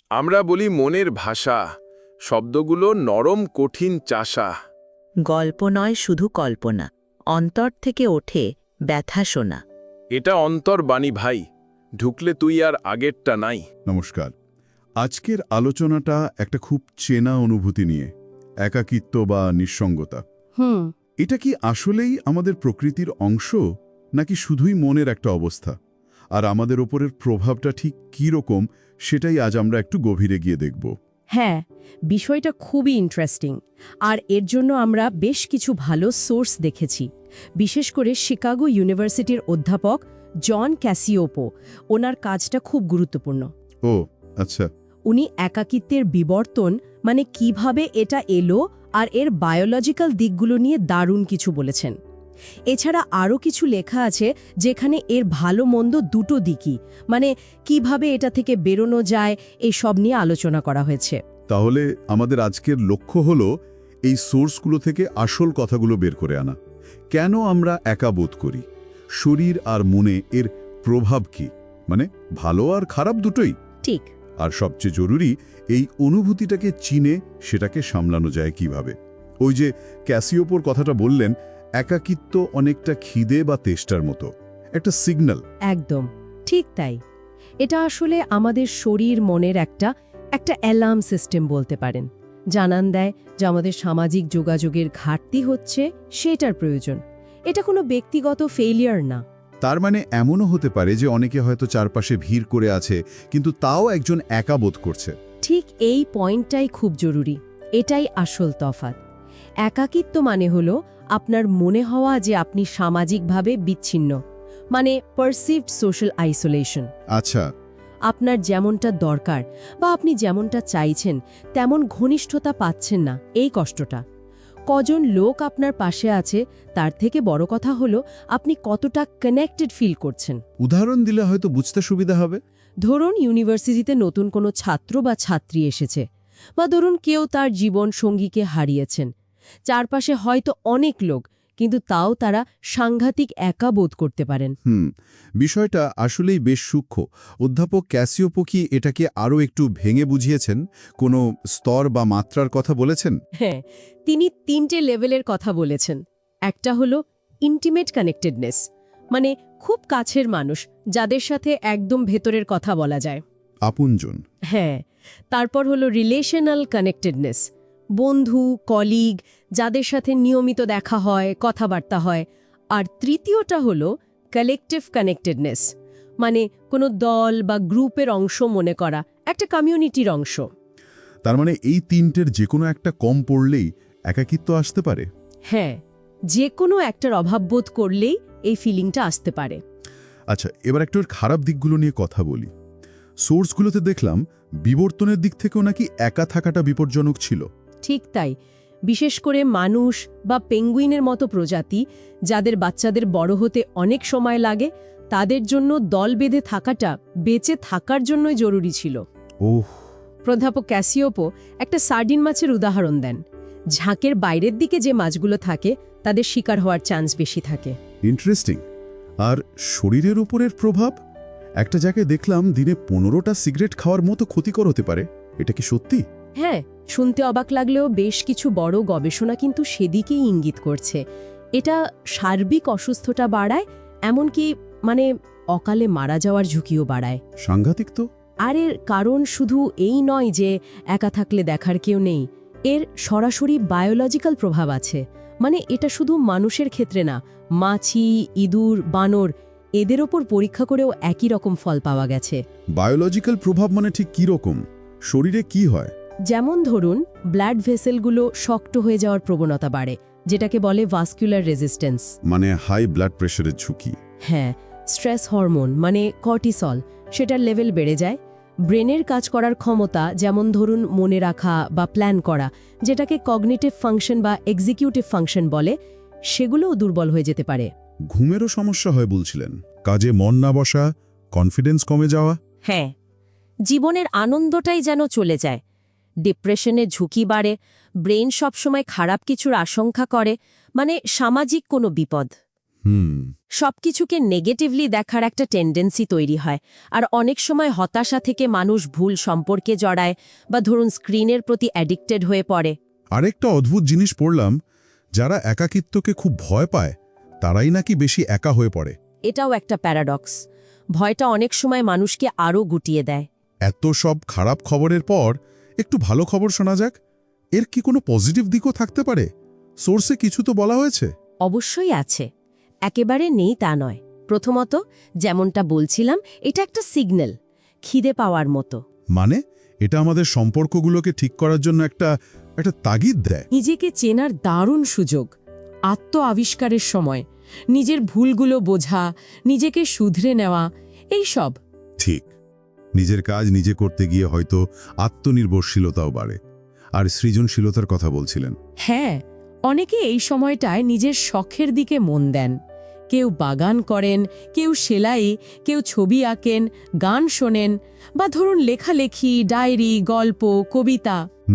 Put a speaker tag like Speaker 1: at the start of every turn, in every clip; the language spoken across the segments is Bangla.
Speaker 1: আমরা বলি মনের ভাষা, শব্দগুলো নরম কঠিন চাষা।
Speaker 2: গল্প নয় শুধু কল্পনা, অন্তর থেকে ওঠে ব্যথা শোনা।
Speaker 1: এটা অন্তর্বাণী ভাই, ঢুকলে তুই আর আগেরটা নাই।
Speaker 3: নমস্কার। আজকের আলোচনাটা একটা খুব চেনা অনুভূতি নিয়ে, একাকিত্ব বা নিঃসঙ্গতা। এটা কি আসলেই আমাদের প্রকৃতির অংশ, নাকি শুধুই মনের একটা অবস্থা? আর আমাদের ওপরের প্রভাবটা ঠিক কী রকম, সেটাই আজ আমরা একটু গভীরে গিয়ে দেখব।
Speaker 4: হ্যাঁ, বিষয়টা খুবই ইন্টারেস্টিং। আর এর জন্য আমরা বেশ কিছু ভালো সোর্স দেখেছি। বিশেষ করে শিকাগো ইউনিভার্সিটির অধ্যাপক জন ক্যাসিওপো, ওনার কাজটা খুব গুরুত্বপূর্ণ।
Speaker 3: ও আচ্ছা।
Speaker 4: উনি একাকিত্বের বিবর্তন, মানে কিভাবে এটা এলো আর এর বায়োলজিক্যাল দিকগুলো নিয়ে দারুণ কিছু বলেছেন। এছাড়া আরও কিছু লেখা আছে যেখানে এর ভালো মন্দ দুটো দিকই, মানে কিভাবে এটা থেকে বেরোনো যায়, এই সব নিয়ে আলোচনা করা হয়েছে।
Speaker 3: তাহলে আমাদের আজকের লক্ষ্য হলো এই সোর্সগুলো থেকে আসল কথাগুলো বের করে আনা। কেন আমরা একা বোধ করি, শরীর আর মনে এর প্রভাব কি, মানে ভালো আর খারাপ দুটোই।
Speaker 4: ঠিক।
Speaker 3: আর সবচেয়ে জরুরি, এই অনুভূতিটাকে চিনে সেটাকে সামলানো যায় কিভাবে। ওই যে ক্যাসিওপোর কথাটা বললেন, একাকিত্ব অনেকটা খিদে বা তেষ্টার মতো একটা সিগন্যাল।
Speaker 4: একদম ঠিক তাই। এটা আসলে আমাদের শরীর মনের একটা অ্যালার্ম সিস্টেম বলতে পারেন। জানান দেয় যে আমাদের সামাজিক যোগাযোগের ঘাটতি হচ্ছে, সেটার প্রয়োজন। এটা কোনো ব্যক্তিগত ফেইলিয়ার না।
Speaker 3: তার মানে এমনও হতে পারে যে অনেকে হয়তো চারপাশে ভিড় করে আছে, কিন্তু তাও একজন একা বোধ করছে।
Speaker 4: ঠিক এই পয়েন্টটাই খুব জরুরি। এটাই আসল তফাৎ। একাকিত্ব মানে হলো আপনার মনে হওয়া যে আপনি সামাজিকভাবে বিচ্ছিন্ন, মানে পারসিভড সোশ্যাল আইসোলেশন।
Speaker 3: আচ্ছা।
Speaker 4: আপনার যেমনটা দরকার বা আপনি যেমনটা চাইছেন তেমন ঘনিষ্ঠতা পাচ্ছেন না, এই কষ্টটা। কজন লোক আপনার পাশে আছে তার থেকে বড় কথা হলো আপনি কতটা কানেক্টেড ফিল করছেন।
Speaker 3: উদাহরণ দিলে হয়তো বুঝতে সুবিধা হবে।
Speaker 4: ধরুন ইউনিভার্সিটিতে নতুন কোনো ছাত্র বা ছাত্রী এসেছে, বা ধরুন কেউ তার জীবন সঙ্গীকে হারিয়েছেন। চারপাশে হয়তো অনেক লোক, কিন্তু তাও তারা সাংঘাতিক একা বোধ করতে পারেন।
Speaker 3: বিষয়টা আসলেই বেশ সূক্ষ্ম। অধ্যাপক ক্যাসিওপো কি এটাকে আরও একটু ভেঙে বুঝিয়েছেন, কোনো স্তর বা মাত্রার কথা বলেছেন?
Speaker 4: হ্যাঁ, তিনি 3টে লেভেলের কথা বলেছেন। একটা হলো ইন্টিমেট কানেক্টেডনেস, মানে খুব কাছের মানুষ, যাদের সাথে একদম ভেতরের কথা বলা যায়,
Speaker 3: আপনজন।
Speaker 4: হ্যাঁ। তারপর হলো রিলেশনাল কানেক্টেডনেস, বন্ধু, কলিগ, যাদের সাথে নিয়মিত দেখা হয়, কথাবার্তা হয়। আর তৃতীয়টা হলো কালেকটিভ কানেক্টেডনেস, মানে কোনো দল বা গ্রুপের অংশ মনে করা, একটা কমিউনিটির অংশ।
Speaker 3: তার মানে এই তিনটের যে কোনো একটা কম পড়লেই একাকিত্ব আসতে পারে।
Speaker 4: হ্যাঁ, যে কোনো একটার অভাববোধ করলেই এই ফিলিংটা আসতে পারে।
Speaker 3: আচ্ছা, এবার একটু এর খারাপ দিকগুলো নিয়ে কথা বলি। সোর্সগুলোতে দেখলাম বিবর্তনের দিক থেকেও নাকি একা থাকাটা বিপজ্জনক ছিল।
Speaker 4: ঠিক তাই। বিশেষ করে মানুষ বা পেঙ্গুইনের মতো প্রজাতি, যাদের বাচ্চাদের বড় হতে অনেক সময় লাগে, তাদের জন্য দল বেঁধে থাকাটা বেঁচে থাকার জন্যই জরুরি ছিল।
Speaker 3: ওহ।
Speaker 4: অধ্যাপক ক্যাসিওপো একটা সার্ডিন মাছের উদাহরণ দেন। ঝাঁকের বাইরের দিকে যে মাছগুলো থাকে তাদের শিকার হওয়ার চান্স বেশি থাকে।
Speaker 3: ইন্টারেস্টিং। আর শরীরের উপরের প্রভাব, একটা জায়গায় দেখলাম দিনে 15টা সিগারেট খাওয়ার মতো ক্ষতিকর হতে পারে। এটা কি সত্যি?
Speaker 4: হ্যাঁ, শুনতে অবাক লাগলেও বেশ কিছু বড় গবেষণা কিন্তু সেদিকেই ইঙ্গিত করছে। এটা সার্বিক অসুস্থতা বাড়ায়, এমনকি মানে অকালে মারা যাওয়ার ঝুঁকিও বাড়ায়।
Speaker 3: সাংঘাতিক তো।
Speaker 4: আর এর কারণ শুধু এই নয় যে একা থাকলে দেখার কেউ নেই, এর সরাসরি বায়োলজিক্যাল প্রভাব আছে। মানে এটা শুধু মানুষের ক্ষেত্রে না, মাছি, ইঁদুর, বানর, এদের ওপর পরীক্ষা করেও একই রকম ফল পাওয়া গেছে।
Speaker 3: বায়োলজিক্যাল প্রভাব মানে ঠিক কী রকম? শরীরে কি হয়?
Speaker 4: যেমন ধরুন, ব্লাড ভেসেলগুলো শক্ত হয়ে যাওয়ার প্রবণতা বাড়ে, যেটাকে বলে ভাস্কুলার রেজিস্ট্যান্স,
Speaker 3: মানে হাই ব্লাড প্রেশারের ঝুঁকি।
Speaker 4: হ্যাঁ। স্ট্রেস হরমোন মানে কর্টিসল, সেটার লেভেল বেড়ে যায়। ব্রেনের কাজ করার ক্ষমতা, যেমন ধরুন মনে রাখা বা প্ল্যান করা, যেটাকে কগনিটিভ ফাংশন বা এক্সিকিউটিভ ফাংশন বলে, সেগুলোও দুর্বল হয়ে যেতে পারে।
Speaker 3: ঘুমেরও সমস্যা হয় বলছিলেন। কাজে মন না বসা, কনফিডেন্স কমে যাওয়া।
Speaker 4: হ্যাঁ, জীবনের আনন্দটাই যেন চলে যায়। ডিপ্রেশনের ঝুঁকি বাড়ে, ব্রেন সবসময় খারাপ কিছুর আশঙ্কা করে, মানে সামাজিক কোনো বিপদ। সবকিছুকে নেগেটিভলি দেখার একটা টেন্ডেন্সি তৈরি হয়, আর অনেক সময় হতাশা থেকে মানুষ ভুল সম্পর্কে জড়ায় বা ধরুন স্ক্রিনের প্রতি অ্যাডিক্টেড হয়ে পড়ে।
Speaker 3: আরেকটা অদ্ভুত জিনিস পড়লাম, যারা একাকিত্বকে খুব ভয় পায় তারাই নাকি বেশি একা হয়ে পড়ে।
Speaker 4: এটাও একটা প্যারাডক্স। ভয়টা অনেক সময় মানুষকে আরও গুটিয়ে দেয়।
Speaker 3: এত সব খারাপ খবরের পর একটু ভালো খবর শোনা যাক। এর কি কোনো পজিটিভ দিকও থাকতে পারে? সোর্সে কিছু তো বলা হয়েছে।
Speaker 4: অবশ্যই আছে, একেবারে নেই তা নয়। প্রথমত, যেমনটা বলছিলাম, এটা একটা সিগন্যাল, খিদে পাওয়ার মতো।
Speaker 3: মানে এটা আমাদের সম্পর্কগুলোকে ঠিক করার জন্য একটা তাগিদ দেয়।
Speaker 5: নিজেকে চেনার দারুণ সুযোগ, আত্ম আবিষ্কারের সময়, নিজের ভুলগুলো বোঝা, নিজেকে শুধরে নেওয়া, এই সব।
Speaker 3: ঠিক, নিজের কাজ নিজে করতে গিয়ে হয়তো আত্মনির্ভরশীলতাও বাড়ে। আর সৃজনশীলতার কথা বলছিলেন।
Speaker 5: হ্যাঁ, অনেকে এই সময়টায় নিজের শখের দিকে মন দেন। কেউ বাগান করেন, কেউ সেলাই, কেউ ছবি আঁকেন, গান শোনেন, বা ধরুন লেখালেখি, ডায়েরি, গল্প, কবিতা।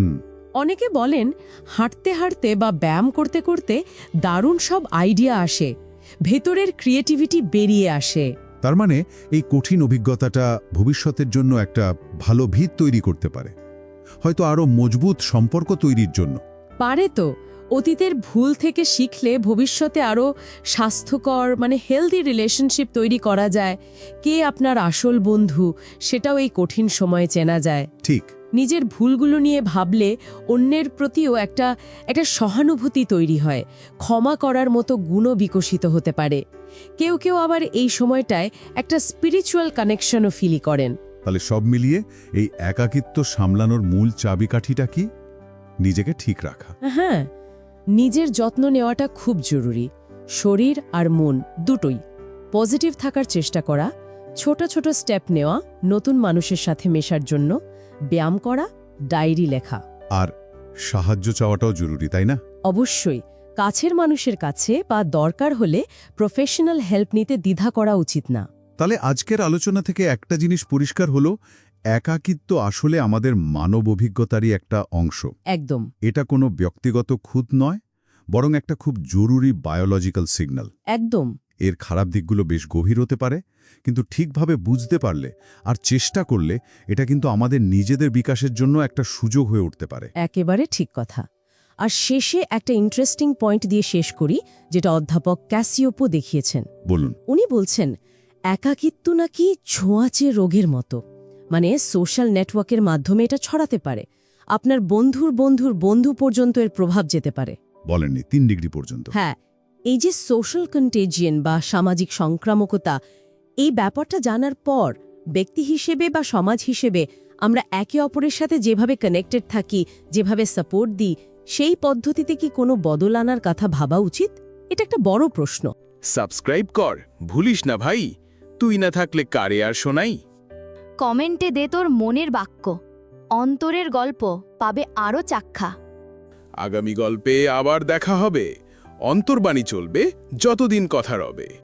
Speaker 5: অনেকে বলেন হাঁটতে হাঁটতে বা ব্যায়াম করতে করতে দারুণ সব আইডিয়া আসে, ভেতরের ক্রিয়েটিভিটি বেরিয়ে আসে।
Speaker 3: তার মানে এই কঠিন অভিজ্ঞতাটা ভবিষ্যতের জন্য একটা ভালো ভিত তৈরি করতে পারে, হয়তো আরও মজবুত সম্পর্ক তৈরির জন্য।
Speaker 5: পারে তো। অতীতের ভুল থেকে শিখলে ভবিষ্যতে আরও স্বাস্থ্যকর হেলদি রিলেশনশিপ তৈরি করা যায়। কে আপনার আসল বন্ধু সেটাও এই কঠিন সময়ে চেনা যায়।
Speaker 3: ঠিক,
Speaker 5: নিজের ভুলগুলো নিয়ে ভাবলে অন্যের প্রতিও একটা সহানুভূতি তৈরি হয়, ক্ষমা করার মতো গুণও বিকশিত হতে পারে। কেউ কেউ আবার এই সময়টায় একটা স্পিরিচুয়াল কানেকশনও ফিল করেন।
Speaker 3: তাহলে সব মিলিয়ে এই একাকিত্ব সামলানোর মূল চাবিকাঠিটা কি? নিজেকে ঠিক রাখা।
Speaker 5: হ্যাঁ, নিজের যত্ন নেওয়াটা খুব জরুরি। শরীর আর মন দুটোই। পজিটিভ থাকার চেষ্টা করা, ছোট ছোট স্টেপ নেওয়া, নতুন মানুষের সাথে মেশার জন্য ব্যায়াম করা, ডায়েরি লেখা।
Speaker 3: আর সাহায্য চাওয়াটাও জরুরি, তাই না?
Speaker 5: অবশ্যই, কাছের মানুষের কাছে বা দরকার হলে প্রফেশনাল হেল্প নিতে দ্বিধা করা উচিত না।
Speaker 3: তাহলে আজকের আলোচনা থেকে একটা জিনিস পরিষ্কার হলো, একাকিত্ব আসলে আমাদের মানব অভিজ্ঞতারই একটা অংশ।
Speaker 5: একদম।
Speaker 3: এটা কোনো ব্যক্তিগত খুঁত নয়, বরং একটা খুব জরুরি বায়োলজিক্যাল সিগন্যাল।
Speaker 5: একদম।
Speaker 3: এর খারাপ দিকগুলো বেশ গভীর হতে পারে, কিন্তু ঠিকভাবে বুঝতে পারলে আর চেষ্টা করলে এটা কিন্তু আমাদের নিজেদের বিকাশের জন্য একটা সুযোগ হয়ে উঠতে পারে।
Speaker 5: একেবারে ঠিক কথা। আর শেষে একটা ইন্টারেস্টিং পয়েন্ট দিয়ে শেষ করি, যেটা অধ্যাপক ক্যাসিওপো দেখিয়েছেন।
Speaker 3: বলুন।
Speaker 5: উনি বলছেন একাকিত্ব নাকি ছোঁয়াচে রোগের মতো। সোশ্যাল নেটওয়ার্কের মাধ্যমে এটা ছড়াতে পারে। আপনার বন্ধুর বন্ধুর বন্ধু পর্যন্ত এর প্রভাব যেতে পারে।
Speaker 3: বলেননি 3 ডিগ্রি পর্যন্ত?
Speaker 5: হ্যাঁ, এই যে সোশ্যাল কন্টেজিয়ন বা সামাজিক সংক্রামকতা, এই ব্যাপারটা জানার পর ব্যক্তি হিসেবে বা সমাজ হিসেবে আমরা একে অপরের সাথে যেভাবে কানেক্টেড থাকি, যেভাবে সাপোর্ট দিই, সেই পদ্ধতিতে কি কোনো বদল আনার কথা ভাবা উচিত? এটা একটা বড় প্রশ্ন।
Speaker 1: সাবস্ক্রাইব কর, ভুলিস না ভাই। তুই না থাকলে কারে আর শোনাই।
Speaker 6: কমেন্টে দে তোর মনের বাক্য, অন্তরের গল্প পাবে আরও চাক্ষা।
Speaker 1: আগামী গল্পে আবার দেখা হবে। অন্তর্বাণী চলবে যতদিন কথা রবে।